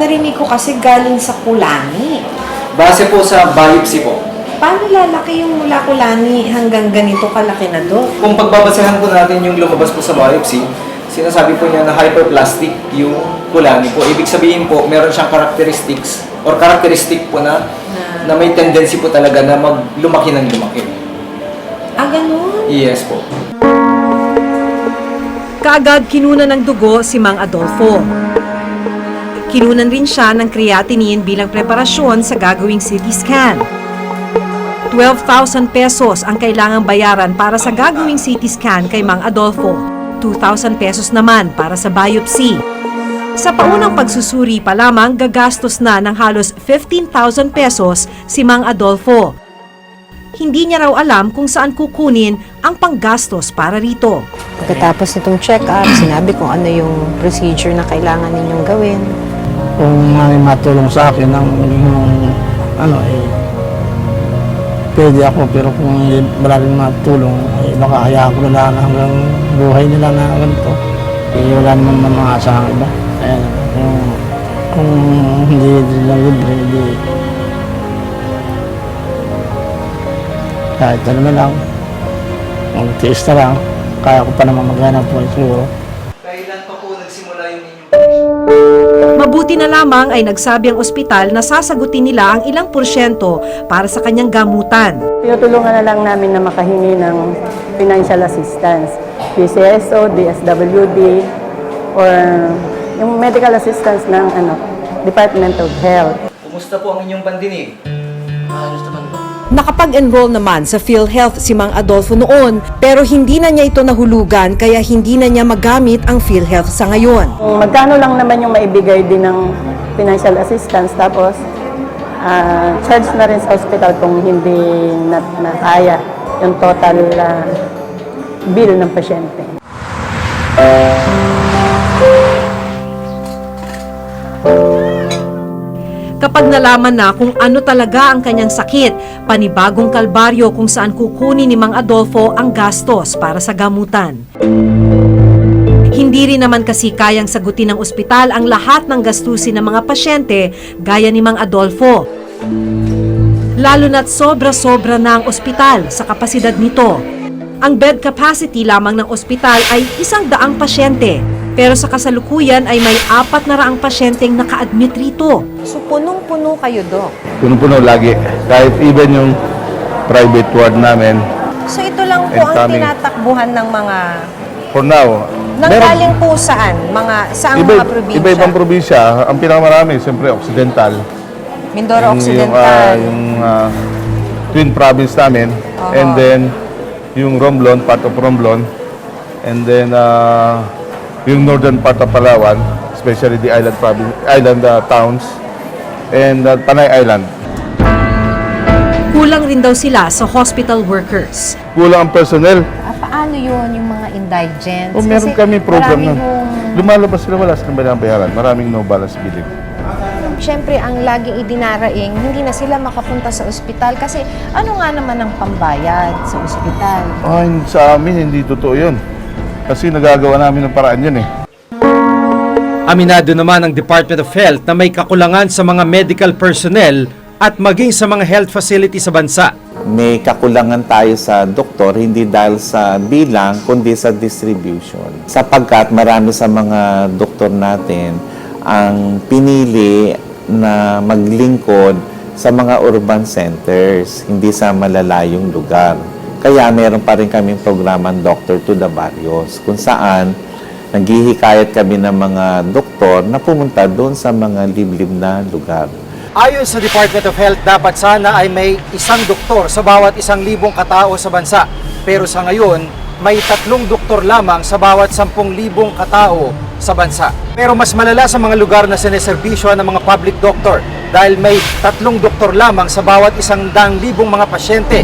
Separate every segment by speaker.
Speaker 1: narinig ko kasi galing sa kulani.
Speaker 2: Base po sa biopsy po.
Speaker 1: Paano lalaki yung mula kulani hanggang ganito kalaki na, Dok?
Speaker 2: Kung pagbabasehan po natin yung lumabas po sa biopsy, sinasabi po niya na hyperplastic yung kulani po. Ibig sabihin po, meron siyang characteristics or characteristic po na may tendency po talaga na lumaki ng lumaki.
Speaker 1: Ah, ganun?
Speaker 2: Yes po.
Speaker 3: Kaagad kinunan ng dugo si Mang Adolfo. Kinunan rin siya ng creatinine bilang preparasyon sa gagawing CT scan. 12,000 pesos ang kailangang bayaran para sa gagawing CT scan kay Mang Adolfo. 2,000 pesos naman para sa biopsy. Sa paunang pagsusuri pa lamang, gagastos na ng halos 15,000 pesos si Mang Adolfo. Hindi niya raw alam kung saan kukunin ang panggastos para rito.
Speaker 4: Pagkatapos nitong check-up, sinabi kung ano yung procedure na kailangan ninyong gawin.
Speaker 5: Kung may matulong sa akin ng pwede ako, pero kung wala rin matulong, baka hayaan ko na lang hanggang buhay nila na ganito. Wala naman mga asahang iba. Ayan, kung hindi nila libre, hindi. Kahit ano na lang, mag-tiis na lang, kaya ko pa naman maghanap po siguro.
Speaker 2: Kailan pa po nagsimula yung inyong
Speaker 3: Mabuti na lamang ay nagsabi ang ospital na sasagutin nila ang ilang porsyento para sa kanyang gamutan.
Speaker 6: Tinutulungan na lang namin na makahingi ng financial assistance, PCSO, DSWD, or yung medical assistance ng Department of Health.
Speaker 2: Kumusta po ang inyong pandinig? Ayos naman po.
Speaker 3: Nakapag-enroll naman sa PhilHealth si Mang Adolfo noon pero hindi na niya ito nahulugan kaya hindi na niya magamit ang PhilHealth sa ngayon.
Speaker 6: Magkano lang naman yung maibigay din ng financial assistance, tapos charge na rin sa hospital kung hindi na kaya yung total bill ng pasyente.
Speaker 3: Kapag nalaman na kung ano talaga ang kanyang sakit, panibagong kalbaryo kung saan kukunin ni Mang Adolfo ang gastos para sa gamutan. Hindi rin naman kasi kayang sagutin ng ospital ang lahat ng gastusin ng mga pasyente gaya ni Mang Adolfo. Lalo na't sobra-sobra na ang ospital sa kapasidad nito. Ang bed capacity lamang ng ospital ay 100 pasyente. Pero sa kasalukuyan ay may 400 pasyenteng naka-admit rito.
Speaker 4: So punong-puno kayo, Dok.
Speaker 7: Puno-puno lagi. Kahit even yung private ward namin.
Speaker 4: So ito lang po
Speaker 7: And
Speaker 4: ang
Speaker 7: coming.
Speaker 4: tinatakbuhan ng mga...
Speaker 7: For now,
Speaker 4: Nanggaling po saan? Saang mga probinsya?
Speaker 7: iba-ibang probinsya. Ang pinakamarami, siyempre, Occidental.
Speaker 4: Mindoro Occidental.
Speaker 7: Yung Twin Province namin. And then, yung Romblon, part of Romblon. And then, yung northern part of Palawan, especially the island province, towns, and Panay Island.
Speaker 3: Kulang rin daw sila sa hospital workers.
Speaker 7: Kulang ang personnel.
Speaker 4: Paano yun, yung mga indigents?
Speaker 7: O meron
Speaker 4: Kasi
Speaker 7: kami program
Speaker 4: marami
Speaker 7: na.
Speaker 4: hong-
Speaker 7: Lumalabas sila, wala silang binabayaran. Maraming no balance billing.
Speaker 4: Siyempre, ang laging idinaraing, hindi na sila makapunta sa ospital kasi ano nga naman ang pambayad sa ospital?
Speaker 7: Sa amin, hindi totoo yun. Kasi nagagawa namin ng paraan yun eh.
Speaker 8: Aminado naman ang Department of Health na may kakulangan sa mga medical personnel at maging sa mga health facility sa bansa.
Speaker 9: May kakulangan tayo sa doktor, hindi dahil sa bilang, kundi sa distribution. Sapagkat marami sa mga doktor natin ang pinili na maglingkod sa mga urban centers, hindi sa malalayong lugar. Kaya meron pa rin kaming programang Doctor to the Barrios, kung saan naghihikayat kami ng mga doktor na pumunta doon sa mga liblib na lugar.
Speaker 8: Ayon sa Department of Health, dapat sana ay may isang doktor sa bawat 1,000 katao sa bansa. Pero sa ngayon, may 3 doktor lamang sa bawat 10,000 katao sa bansa. Pero mas malala sa mga lugar na sineserbisyo ng mga public doctor dahil may 3 doktor lamang sa bawat 100,000 mga pasyente.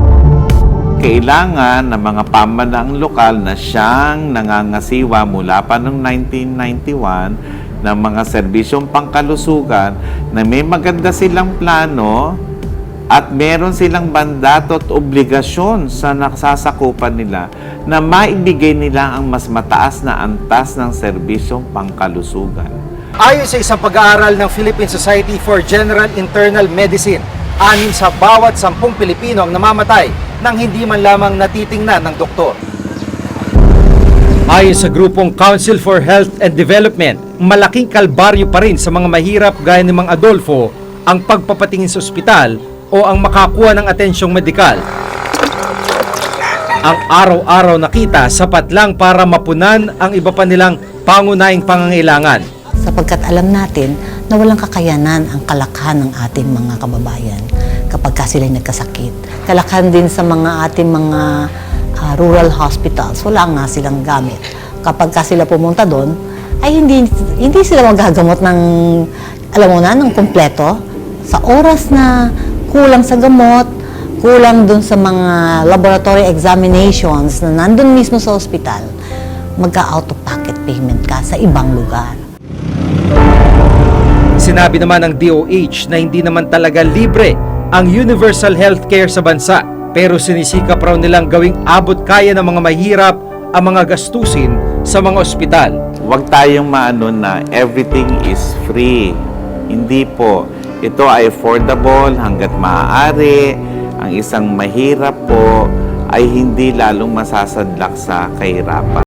Speaker 9: Kailangan ng mga pamahalaang lokal na siyang nangangasiwa mula pa noong 1991 ng mga serbisyong pangkalusugan na may maganda silang plano at meron silang mandato at obligasyon sa nasasakupan nila na maibigay nila ang mas mataas na antas ng serbisyong pangkalusugan.
Speaker 8: Ayon sa isang pag-aaral ng Philippine Society for General Internal Medicine, 6 sa bawat 10 Pilipino ang namamatay nang hindi man lamang natitingnan ng doktor. Ayon sa grupong Council for Health and Development, malaking kalbaryo pa rin sa mga mahirap gaya ni Mang Adolfo ang pagpapatingin sa ospital o ang makakuha ng atensyong medikal. Ang araw-araw na kita sapat lang para mapunan ang iba pa nilang pangunahing pangangailangan.
Speaker 10: Sapagkat alam natin na walang kakayanan ang kalakhan ng ating mga kababayan kapag sila'y nagkasakit. Kalakhan din sa mga ating mga rural hospitals, wala nga silang gamit. Kapag sila pumunta doon, ay hindi sila magagamot ng, alam mo na, ng kumpleto. Sa oras na kulang sa gamot, kulang doon sa mga laboratory examinations na nandun mismo sa ospital, magka-out-of-pocket payment ka sa ibang lugar.
Speaker 8: Sinabi naman ng DOH na hindi naman talaga libre ang universal healthcare sa bansa, pero sinisikap raw nilang gawing abot kaya ng mga mahirap ang mga gastusin sa mga ospital.
Speaker 9: Huwag tayong maano na everything is free. Hindi po. Ito ay affordable hanggat maaari. Ang isang mahirap po ay hindi lalong masasadlak sa kahirapan.